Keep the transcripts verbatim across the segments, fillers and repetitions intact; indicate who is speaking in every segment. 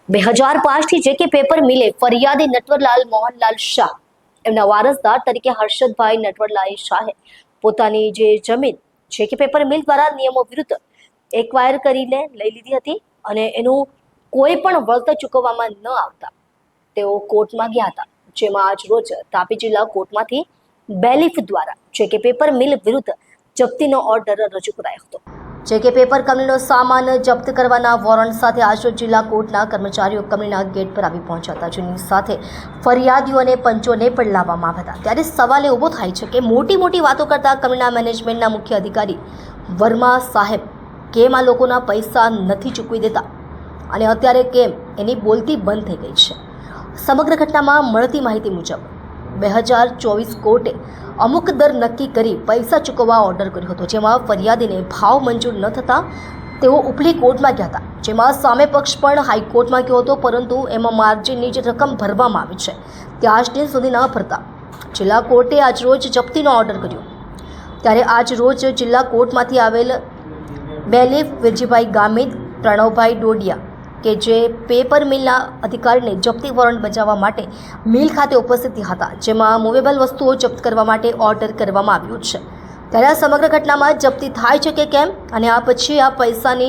Speaker 1: બે હજાર પાંચથી જે કે પેપર મિલે ફરિયાદી નટવરલાલ મોહનલાલ શાહ એમના વારસદાર તરીકે હર્ષદભાઈ નટવરલાલ શાહે પોતાની જે જમીન જે કે પેપર મિલ દ્વારા નિયમો વિરુદ્ધ એક્વાયર કરીને લઈ લીધી હતી અને એનું કોઈ પણ વળતર ચૂકવવામાં ન આવતા તેઓ કોર્ટમાં ગયા હતા, જેમાં આજ રોજ તાપી જિલ્લા કોર્ટમાંથી બેલીફ દ્વારા જે કે પેપર મિલ વિરુદ્ધ જપ્તીનો ઓર્ડર રજૂ કરાયો હતો। જે કે પેપર કંપનીનો સામાન જપ્ત કરવાના વોરંટ સાથે આજરોજ જિલ્લા કોર્ટના કર્મચારીઓ કંપનીના ગેટ પર આવી પહોંચ્યા હતા, જેની સાથે ફરિયાદીઓ અને પંચોને પણ લાવવામાં આવ્યા હતા। ત્યારે સવાલ ઊભો થાય છે કે મોટી મોટી વાતો કરતા કંપનીના મેનેજમેન્ટના મુખ્ય અધિકારી વર્મા સાહેબ કેમ આ લોકોના પૈસા નથી ચૂકવી દેતા અને અત્યારે કેમ એની બોલતી બંધ થઈ ગઈ છે। સમગ્ર ઘટનામાં મળતી માહિતી મુજબ બે હજાર ચોવીસ કોર્ટે અમુક દર નક્કી કરી પૈસા ચૂકવવા ઓર્ડર કર્યો હતો, જેમાં ફરિયાદીને ભાવ મંજૂર ન થતાં તેઓ ઉપલી કોર્ટમાં ગયા હતા, જેમાં સામે પક્ષ પણ હાઈકોર્ટમાં ગયો હતો, પરંતુ એમાં માર્જિનની જે રકમ ભરવામાં આવી છે તે આજ દિન સુધી ન ભરતા જિલ્લા કોર્ટે આજ રોજ જપ્તીનો ઓર્ડર કર્યો। ત્યારે આજ રોજ જિલ્લા કોર્ટમાંથી આવેલ બેલીફ વિરજીભાઈ ગામિત, પ્રણવભાઈ ડોડિયા કે જે પેપર મિલના અધિકારીને જપ્તી વોરંટ બજાવવા માટે મિલ ખાતે ઉપસ્થિત હતા, જેમાં મૂવેબલ વસ્તુઓ જપ્ત કરવા માટે ઓર્ડર કરવામાં આવ્યો છે। ત્યારે આ સમગ્ર ઘટનામાં જપ્તી થાય છે કે કેમ અને આ પછી આ પૈસાની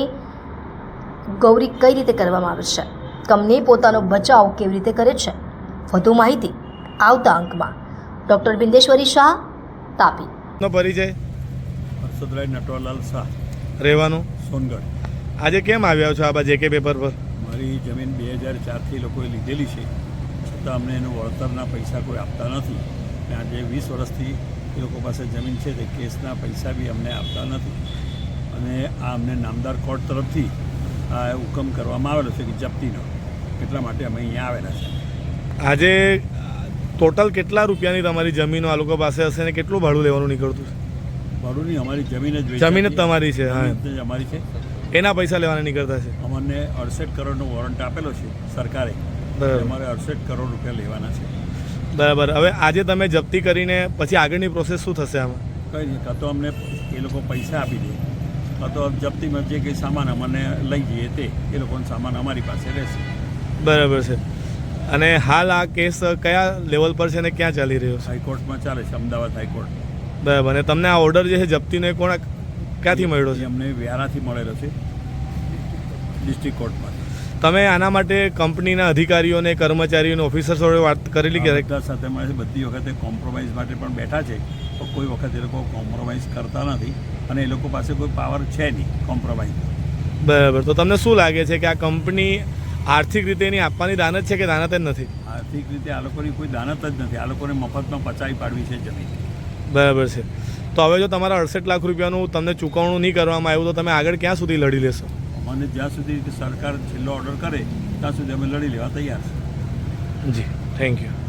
Speaker 1: ગૌરી કઈ રીતે કરવામાં આવે છે, કંપની પોતાનો બચાવ કેવી રીતે કરે છે, વધુ માહિતી આવતા અંકમાં। ડૉક્ટર બિંદેશ્વરી શાહ, તાપી।
Speaker 2: નો પરિચય?
Speaker 3: હર્ષદભાઈ નટવરલાલ શાહ,
Speaker 2: રહેવાનું
Speaker 3: સોનગઢ।
Speaker 2: આજે કેમ આવ્યા છો આ જે કે પેપર પર?
Speaker 3: મારી જમીન બે હજાર ચારથી લોકોએ લીધેલી છે, છતાં અમને એનું વળતરના પૈસા કોઈ આપતા નથી અને આજે વીસ વર્ષથી એ લોકો પાસે જમીન છે તે કેસના પૈસા બી અમને આપતા નથી અને આ અમને નામદાર કોર્ટ તરફથી આ હુકમ કરવામાં આવેલો છે કે જપ્તીનો, એટલા માટે અમે અહીંયા આવેલા છે।
Speaker 2: આજે ટોટલ કેટલા રૂપિયાની તમારી જમીનો આ લોકો પાસે હશે ને કેટલું ભાડું લેવાનું નીકળતું છે?
Speaker 3: ભાડુંની અમારી જમીન જ
Speaker 2: જમીન જ તમારી છે? હા,
Speaker 3: જમીન જ અમારી છે।
Speaker 2: એના પૈસા લેવાના નીકળતા છે?
Speaker 3: અમને અડસઠ કરોડનો વોરંટ આપેલો છે સરકારે,
Speaker 2: બરાબર,
Speaker 3: અમારે અડસઠ કરોડ રૂપિયા લેવાના છે।
Speaker 2: બરાબર। હવે આજે તમે જપ્તી કરીને પછી આગળની પ્રોસેસ શું થશે આમાં?
Speaker 3: કંઈ નહીં, કાં તો અમને એ લોકો પૈસા આપી દે, કાં તો જપ્તીમાં જે કંઈ સામાન અમને લઈ જઈએ તે એ લોકોનો સામાન અમારી પાસે રહેશે।
Speaker 2: બરાબર છે। અને હાલ આ કેસ કયા લેવલ પર છે ને ક્યાં ચાલી રહ્યો છે?
Speaker 3: હાઈકોર્ટમાં ચાલે છે, અમદાવાદ હાઈકોર્ટ।
Speaker 2: બરાબર। અને તમને આ ઓર્ડર જે છે જપ્તીનો એ કોણ ક્યાંથી મળ્યો છે?
Speaker 3: એ અમને વ્યારાથી મળેલો છે, ડિસ્ટ્રિક્ટ કોર્ટમાં।
Speaker 2: તમે આના માટે કંપનીના અધિકારીઓને, કર્મચારીઓને, ઓફિસર્સ જોડે વાત કરેલી કે?
Speaker 3: બધા સાથે મળે છે, બધી વખતે કોમ્પ્રોમાઇઝ માટે પણ બેઠા છે, પણ કોઈ વખત એ લોકો કોમ્પ્રોમાઇઝ કરતા નથી અને એ લોકો પાસે કોઈ પાવર છે નહીં કોમ્પ્રોમાઇઝ।
Speaker 2: બરાબર। તો તમને શું લાગે છે કે આ કંપની આર્થિક રીતે એની આપવાની દાનત છે કે દાનત જ નથી?
Speaker 3: આર્થિક રીતે આ લોકોની કોઈ દાનત જ નથી, આ લોકોને મફતમાં પચાવી પાડવી છે જમીન।
Speaker 2: બરાબર છે। તો હવે જો તમારા અડસઠ લાખ રૂપિયાનું તમને ચૂકવણું નહીં કરવામાં આવ્યું તો તમે આગળ ક્યાં સુધી લડી લેશો?
Speaker 3: અમને જ્યાં સુધી સરકાર છેલ્લો ઓર્ડર કરે ત્યાં સુધી અમે લડી લેવા તૈયાર છે।
Speaker 2: જી, થેન્ક યુ।